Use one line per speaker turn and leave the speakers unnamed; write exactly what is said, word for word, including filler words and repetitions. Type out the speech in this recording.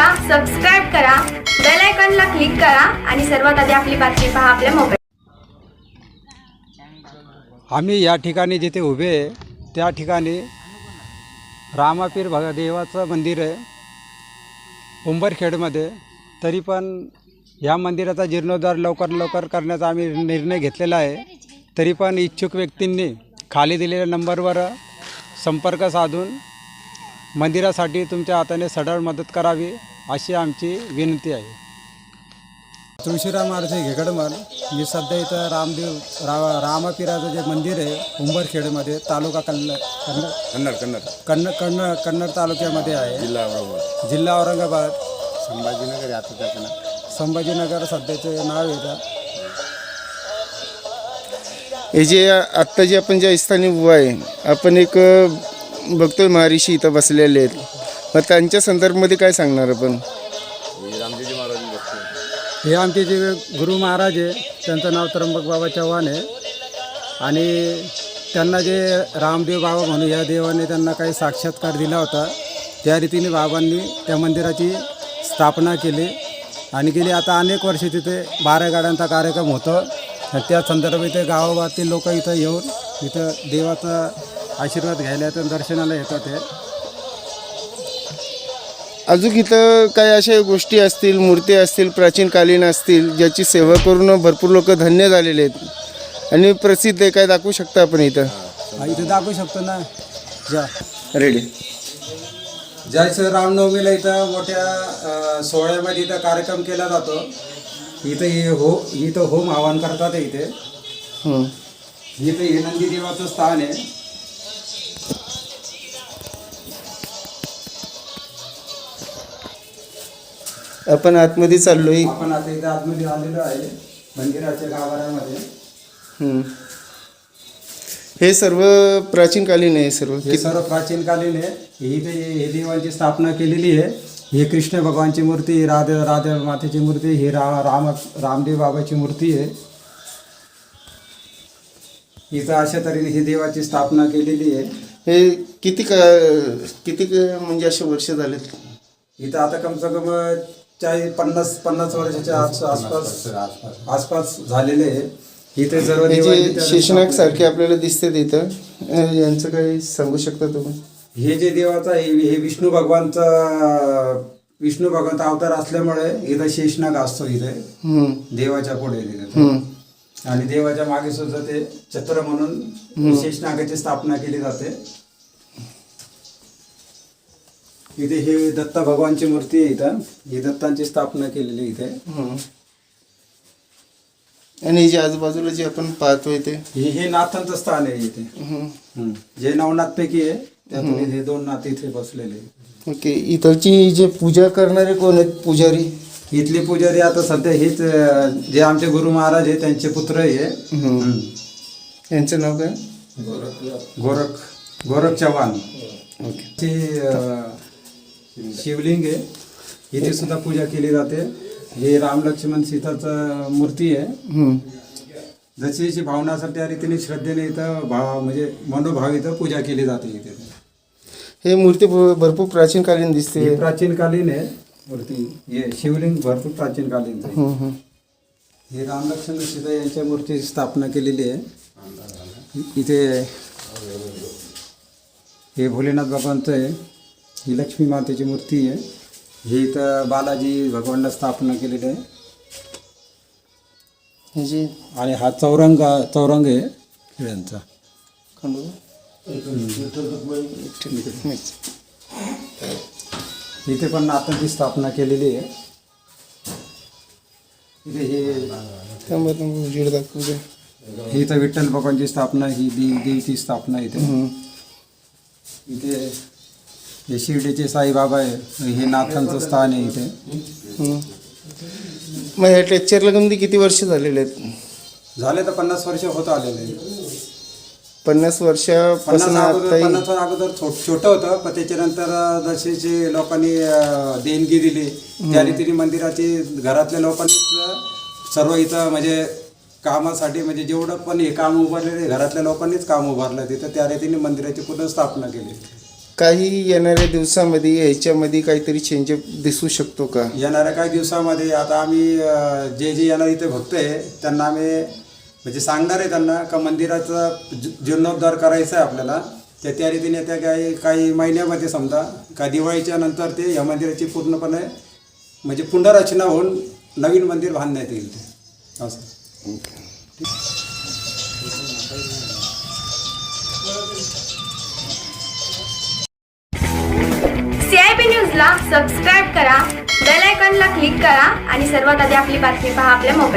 Subscribe करा, bell आयकॉनला click करा आणि सर्वात आधी आपली बातमी पहा आपल्या मोबाईल.
आम्ही या ठिकाणी जिथे उभे आहे त्या ठिकाणी रामापीर भग देवाचं मंदिर आहे उंबरखेडमध्ये. तरी पण या मंदिराचा जीर्णोद्धार लवकर लवकर करण्याचा आम्ही निर्णय घेतलेला आहे. तरी पण इच्छुक व्यक्तींनी खाली दिलेल्या नंबरवर संपर्क साधून मंदिरासाठी तुमच्या हाताने सढळ मदत करावी अशी आमची विनंती आहे. तुळशीराम आरचे घेकडमल. मी सध्या इथं रामदेव रा रामापीराचं जे मंदिर आहे उंबरखेडमध्ये, तालुका कन्न कन्नड
कन्नड कन्नड
कन्नड कन्नड कन्नड तालुक्यामध्ये आहे.
जिल्हा औरंगाबाद
जिल्हा औरंगाबाद.
संभाजीनगर आता त्याचं नाव
संभाजीनगर सध्याचे नाव येतं.
हे जे आत्ता जे आपण ज्या स्थानी उभा आहे, आपण एक बघतोय महर्षी इथं बसलेले आहेत. मग त्यांच्या संदर्भामध्ये काय सांगणार आपण?
रामदेवजी महाराज बघतो.
हे आमचे जे गुरु महाराज आहे त्यांचं नाव त्र्यंबक बाबा चव्हाण आहे. आणि त्यांना जे रामदेव बाबा म्हणून या देवाने त्यांना काही साक्षात्कार दिला होता, त्या रीतीने बाबांनी त्या मंदिराची स्थापना केली. आणि गेली आता अनेक वर्षे तिथे बारा गाड्यांचा कार्यक्रम होतो. आणि त्या संदर्भात इथे गावागावातील लोक इथं येऊन इथं देवाचा आशीर्वाद घ्यायला येतात, दर्शनाला येतात. हे
अजून इथं काही अशा गोष्टी असतील, मूर्ती असतील, प्राचीनकालीन असतील, ज्याची सेवा करून भरपूर लोक धन्य झालेले आहेत आणि प्रसिद्ध आहे. काय दाखवू शकता आपण इथं?
हा, इथं दाखवू शकतो ना. जा
रेडी.
जायचं रामनवमीला इथं मोठ्या सोहळ्यामध्ये इथं कार्यक्रम केला जातो. इथं हे हो इथं होम आवाहन करतात. इथे
हं.
इथं हे नंदी देवाचं स्थान आहे.
आपण आतमध्ये चाललोय.
आपण आता इथं आतमध्ये आलेलो आहे मंदिराच्या गाभाऱ्यामध्ये.
हं. हे सर्व प्राचीनकालीन आहे सर्व.
हे सर्व प्राचीनकालीन आहे. ही इथे हे देवांची स्थापना केलेली आहे. ही कृष्ण भगवानची मूर्ती, राधा राधा मातेची मूर्ती, ही रा राम रामदेव बाबाची मूर्ती आहे. इथं अशा तऱ्हेने ही देवाची स्थापना केलेली आहे.
हे किती का किती क- म्हणजे असे वर्ष झालेत?
इथं आता कम से कम चाळीस पन्नास पन्नास वर्षाच्या आस- आसपास आसपास झालेले आहे. इथे सर्व
हे
देवांची
जे
त्या-
शेषनाग सारखे आपल्याला दिसतात इथं, अं, यांचं काही सांगू शकता तुम्ही?
हे जे देवाचा हे हे विष्णू भगवानचा विष्णू भगवानचा अवतार असल्यामुळे इथं शेषनाग असतो इथे
हं.
देवाच्या पुढे तिथे.
हं.
आणि देवाच्या मागे सुद्धा ते छत्र म्हणून शेषनागाची स्थापना केली जाते. इथे हे दत्ता भगवानची मूर्ती आहे. इथं ही दत्तांची स्थापना केलेली इथे.
हं. आणि जे आजूबाजूला जे आपण पाहतोय ते
हे हे नाथांचं स्थान आहे इथे.
हं.
हम्म. जे नवनाथ पैकी आहे त्यातून हे दोन नाथ इथे बसलेले आहे.
ओके. इथलची जे पूजा करणारे कोण आहेत पुजारी?
इथले पुजारी आता सध्या हेच अं, जे आमचे गुरु महाराज आहे त्यांचे पुत्र आहे.
हं. यांचं नाव काय?
गोरख गोरख चव्हाण.
ओके.
ते अं, शिवलिंग आहे. इथे सुद्धा पूजा केली जाते. हे राम लक्ष्मण सीताचं मूर्ती आहे.
हं.
जशी जशी भावना असेल त्या रीतीने श्रद्धेने इथं भाव म्हणजे मनोभाव इथं पूजा केली जाते. इथे
हे मूर्ती भ- भरपूर प्राचीनकालीन दिसते.
ही प्राचीनकालीन आहे मूर्ती. हे शिवलिंग भरपूर प्राचीनकालीन आहे.
हं. हं.
हे रामलक्ष्मण सीता यांच्या मूर्तीची स्थापना केलेली आहे. इथे हे भोलेनाथ बाबांचं आहे. ही लक्ष्मी मातेची मूर्ती आहे. ही इथं बालाजी भगवानला स्थापना केलेली आहे.
हे जे
आणि हा चौरंग चौरंग आहे खेळ्यांचा.
खंडोबा?
इथे पण नाथांची स्थापना केलेली आहे. इथे हे
थांबा थांबा, उजेड दाखवू द्या.
ही इथं विठ्ठल भगवानची स्थापना, ही देव देवीची स्थापना इथे.
हं.
इथे हे शिर्डीचे साईबाबा आहे. हे नाथांचं स्थान आहे इथे.
हं. मग ह्या टेक्चरला कमी किती वर्ष झालेले आहेत?
झाले तर पन्नास वर्ष होत आलेले.
पन्नास वर्षापासून
पन्नास अगोदर
आता
पन्नास अगोदर छो छोटं होतं, पण त्याच्यानंतर जसे जे लोकांनी अं, देणगी दिली त्या रीतीने मंदिराची घरातल्या लोकांनीच सर्व इथं म्हणजे कामासाठी म्हणजे जेवढं पण हे काम उभारलेले घरातल्या लोकांनीच काम उभारलं तिथं, त्या रीतीने मंदिराची पूर्ण स्थापना केली.
काही येणाऱ्या दिवसामध्ये ह्याच्यामध्ये काहीतरी चेंज दिसू शकतो का?
येणाऱ्या काही दिवसामध्ये आता आम्ही अ, जे जे येणार इथे भक्त आहे त्यांना आम्ही म्हणजे सांगणार आहे त्यांना का मंदिराचा जी- जीर्णोद्धार करायचा आहे आपल्याला. त्या त्या रीतीने त्या काही काही महिन्यामध्ये समजा का दिवाळीच्या नंतर ते या मंदिराची पूर्णपणे म्हणजे पुनर्रचना होऊन नवीन मंदिर बांधण्यात येईल ते असं.
सीआयबी न्यूजला सबस्क्राईब करा, बेल आयकॉनला क्लिक करा आणि सर्वात आधी आपली बातमी पहा आपल्या मोबाईल